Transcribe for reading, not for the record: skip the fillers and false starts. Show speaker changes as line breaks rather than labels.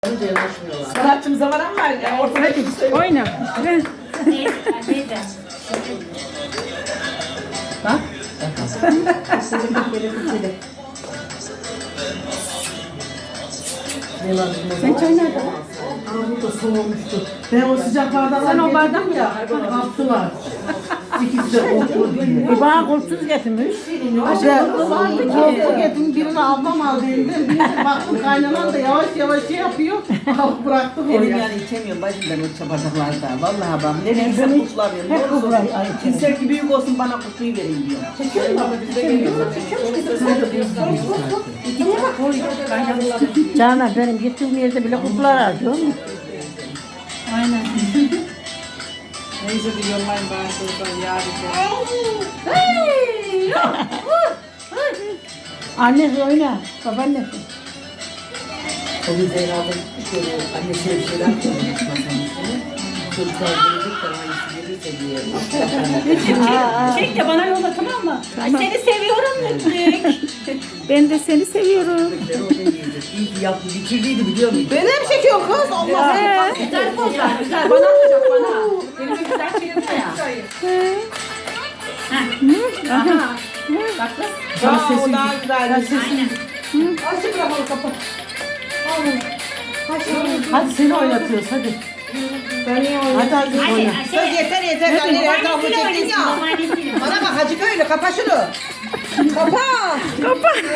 Sanatçım zaman var ya. Ortada kimse yok.
Oyna.
Neyse.
Bak.
Sen çay nerede?
Bu da soğumuştu. Ben o sıcaklardan
Sen o bardak
ya. Kaptılar. İkisi de oturdu diye.
Bana kurtsuz getirmiş.
Korku getirdim birini ablam aldı elimden. Birini baktım kaynanan da yavaş yavaş şey yapıyor. Alıp bıraktım
Benim
oraya.
yani içemiyorum bacım ben o çabardaklarda. Vallahi bak nereye gitsem
Ben hiç-
kutlamıyorum.
hep
Doğru
kutlar-
söylüyorum.
ay,
Kimse ki büyük olsun bana kutluyu vereyim diyor.
Canan benim gittiğim yerde bile kutlar arıyor.
Aynen.
Neyse biliyorum ben çocuklar yarın.
Annesi oyna. Babaannesi.
O gün Zeynep'in şöyle annesine bir şeyler koymuş masanın üstüne. Çocuklar gelecek de hangisi gelirse diye.
Çek de bana yolla, tamam mı? Ay seni seviyorum Mütlük.
Ben de seni seviyorum.
Çocuklar orada yiyecek. İyi ki yaptı. Bitirdiydi biliyor musun?
Beni mi çekiyor kız? Allah
Güzel pozlar, güzel. Bana atacak bana. Elime güzel çevirme ya. Aha. Bak kız.
Aa, o daha güzel.
Aynen.
Açık bırakalım kapat.
Hadi seni oynatıyoruz hadi.
Ben niye oynayayım?
Hadi hadi oyna.
Kız yeter yeter. Anne her tarafı çektin ya.
Babaannesiyle.
Bana bak Hacı köylü kapa şunu. Kapa.